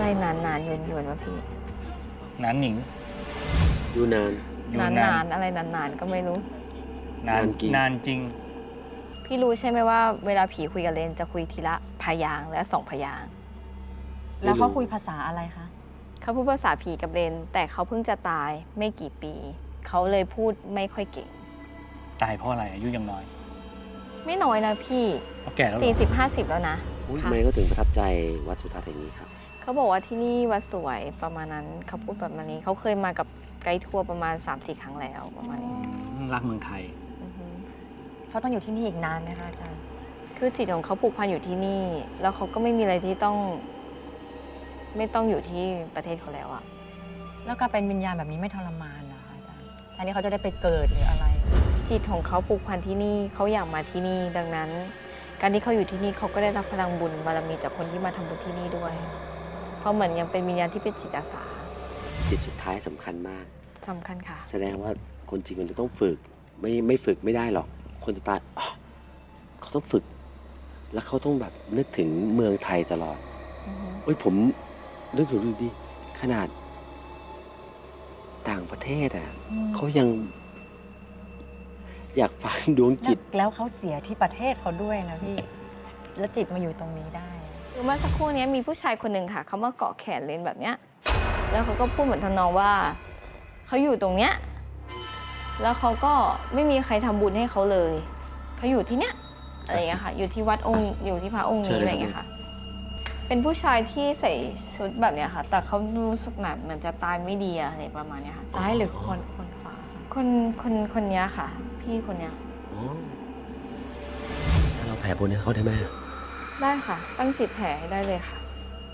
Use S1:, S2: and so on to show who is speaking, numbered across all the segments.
S1: นานๆยวนๆวะพี่
S2: นานหนิง
S3: อยู่นาน
S2: อยู่
S1: นานๆอะไรนานๆก็ไม่รู้
S2: นาน
S3: นานจริง
S2: นานจริง
S1: พี่รู้ใช่ไหมว่าเวลาผีคุยกับเลนจะคุยทีละพยางค์และ2 พยางค์
S4: แล้วเขาคุยภาษาอะไรคะ
S1: เขาพูดภาษาผีกับเลนแต่เขาเพิ่งจะตายไม่กี่ปี เขาเลยพูดไม่ค่อยเก่ง
S2: ตายเพราะอะไรอายุยังน้อย
S1: ไม่น้อยนะพี่
S2: เขาแก่แล้วเหรอ
S1: 40-50 แล้วนะ
S3: ทำไมก็ถึงประทับใจวัดสุทัศน์แห่งนี้ครับ
S1: เขาบอกว่าที่นี่วัดสวยประมาณนั้นเขาพูดแบบนี้เขาเคยมากับไกด์ทัวร์ประมาณ 3-4 ครั้งแล้วประมาณนี้
S2: รักเมืองไทย
S1: อือฮึ
S4: เขาต้องอยู่ที่นี่อีกนานไหมคะอาจารย์
S1: คือจิตของเขาผูกพันอยู่ที่นี่ แล้วเขาก็ไม่มีอะไรที่ไม่ต้องอยู่ที่ประเทศเขาแล้วอะ
S4: แล้วการเป็นวิญญาณแบบนี้ไม่ทรมานเหรอคะอาจารย์แทนที่เขาจะได้ไปเกิดหรืออะไร
S1: จิตของเขาผูกพันที่นี่เขาอยากมาที่นี่ดังนั้น การที่เขาอยู่ที่นี่เขาก็ได้รับพลังบุญบารมีจากคนที่มาทำบุญที่นี่ด้วยเพราะเหมือนยังเป็นวิญญาณที่เป็นจิตอาสา
S3: จิตสุดท้ายสำคัญมาก
S1: สำคัญค่ะ
S3: แสดงว่าคนจริงมันจะต้องฝึก ไม่ฝึกไม่ได้หรอก คนจะตายอ๋อเขาต้องฝึก แล้วเขาต้องแบบนึกถึงเมืองไทยตลอด
S1: อือฮึ
S3: เฮ้ยผมนึกถึงดูดิขนาด ต่างประเทศอ่ะ
S4: อืม
S3: เขายัง อยากฟังดวงจิต
S4: แล้วเขาเสียที่ประเทศเขาด้วยนะพี่ แล้วจิตมาอยู่ตรงนี้ได้
S1: คือเมื่อสักครู่นี้มีผู้ชายคนหนึ่งค่ะเขามาเกาะแขนเลนแบบเนี้ยแล้วเขาก็พูดเหมือนทำนองว่าเขาอยู่ตรงเนี้ยแล้วเขาก็ไม่มีใครทำบุญให้เขาเลยเขาอยู่ที่เนี้ยอะไรอย่างเงี้ยค่ะ อยู่ที่วัดองค์อยู่ที่พระองค์
S3: เชิ
S1: นี้
S3: ญเลย
S1: อะไรอย่างเงี้ยค่ะ เป็นผู้ชายที่ใส่ชุดแบบเนี้ยค่ะ แต่เขารู้สึกแบบเหมือนจะตายไม่ดีอะไรประมาณเนี้ยค่ะ
S4: ซ้ายหรือคนขวา
S1: คนเนี้ยค่ะ พี่คนเนี้ย
S3: อ๋อถ้าเราแผ่บุญให้เขาได้ไหม
S1: ได้ค่ะ ตั้งจิตแผ่ให้ได้เลยค่ะ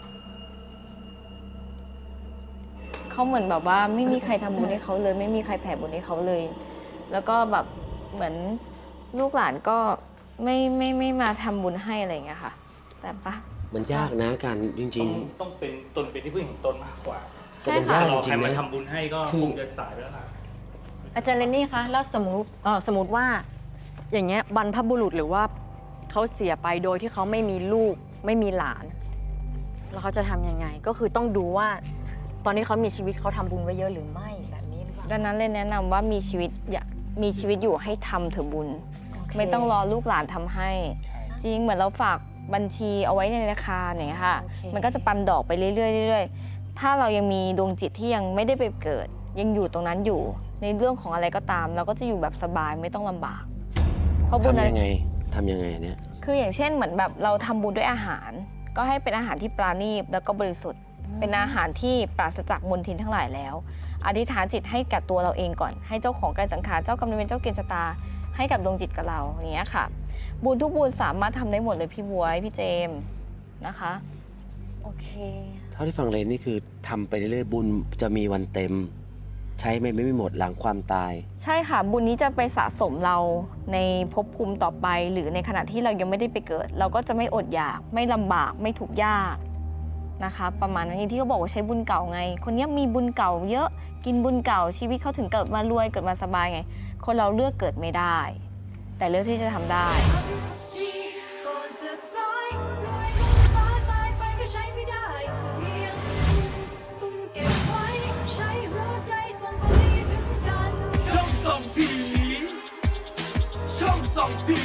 S1: เขาเหมือนแบบว่าไม่มีใครทำบุญให้เขาเลย ไม่มีใครแผ่บุญให้เขาเลย แล้วก็แบบเหมือนลูกหลานก็ไม่มาทำบุญให้อะไรอย่างเงี้ยค่ะ แต่ปะ
S3: มันยากนะการจริง
S2: ต้องเป็นตนเป็นที่พึ่งของตนมากกว่า
S3: ๆ
S1: ใช่
S3: แต่มัน
S1: ค่ะ
S3: ยาก
S2: เรา
S3: จ
S2: ใค
S3: ริ
S2: รง
S3: ๆ
S2: มา
S3: นะ
S2: ทำบุญให้ก็
S3: คือ
S2: คงจะสายไปแล้วล่ะ
S4: อาจารย์เรนนี่คะ แล้วสมมติว่าอย่างเงี้ยบรรพบุรุษหรือว่าเขาเสียไปโดยที่เขาไม่มีลูกไม่มีหลาน แล้วเขาจะทำยังไง ก็คือต้องดูว่า ตอนนี้เขามีชีวิตเขาทำบุญไว้เยอะหรือไม่แบบนี้หรือเปล่า
S1: ดังนั้นเลยแนะนำว่ามีชีวิตอยู่ให้ทำเถอะบุญ
S4: โเค
S1: ไม่ต้องรอลูกหลานทำให้ จริงเหมือนเราฝากบัญชีเอาไว้ในธนาคารอย่างเงี้ยค่ะ
S4: โอเค
S1: มันก็จะปันดอกไปเรื่อยๆเรื่อยๆถ้าเรายังมีดวงจิตที่ยังไม่ได้ไปเกิด ยังอยู่ตรงนั้นอยู่ ในเรื่องของอะไรก็ตาม เราก็จะอยู่แบบสบายไม่ต้องลำบาก เพราะบุญ
S3: ทำ
S1: นั้น
S3: ยังไงทำยังไงเนี่ย
S1: คืออย่างเช่นเหมือนแบบเราทำบุญด้วยอาหาร ก็ให้เป็นอาหารที่ปราณีตแล้วก็บริสุทธิ์ เป็นอาหารที่ปราศจากมลทินทั้งหลายแล้ว อธิษฐานจิตให้กับตัวเราเองก่อน ให้เจ้าของกายสังขารเจ้ากรรมนายเวรเจ้าเกณฑ์ชะตา ให้กับดวงจิตกับเราอย่างเงี้ยค่ะ บุญทุกบุญสามารถทำได้หมดเลยพี่บวยพี่เจมส์นะคะ
S4: โอเค
S3: เท่าที่ฟังเลยนี่คือทำไปเรื่อยๆบุญจะมีวันเต็ม ใช้ไม่หมดหลังความตาย
S1: ใช่ค่ะ บุญนี้จะไปสะสมเราในภพภูมิต่อไป หรือในขณะที่เรายังไม่ได้ไปเกิด เราก็จะไม่อดอยากไม่ลำบากไม่ทุกข์ยากนะคะ ประมาณนั้นอย่างที่เขาบอกว่าใช้บุญเก่าไง คนนี้มีบุญเก่าเยอะกินบุญเก่าชีวิตเขาถึงเกิดมารวยเกิดมาสบายไง คนเราเลือกเกิดไม่ได้ แต่เลือกที่จะทำได้
S5: ก่อนจะสายรวยบนฟ้าตายไปก็ใช้ไม่ได้เพียงตุ้มเก็บไว้ใช้หัวใจส่งไปถึงกัน
S6: ช่องส่องผีช่องส่องผี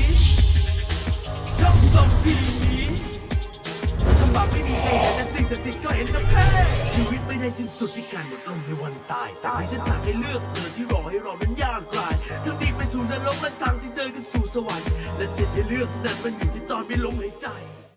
S6: ช่องส่องผีฉบับไม่มีใครเห็นแต่สิ่งศักดิ์สิทธิ์ก็เห็นกับแพ้ชีวิตไม่ได้สิ้นสุดที่การหมดลมในวันตาย แต่มีเส้นทางให้เลือกเดินที่รอให้เรานั้นยากกลายทั้งดีไปสู่นรกและทางที่เดินกันสู่สวรรค์และเส้นที่เลือกนั้นมันอยู่ที่ตอนมีลมหายใจ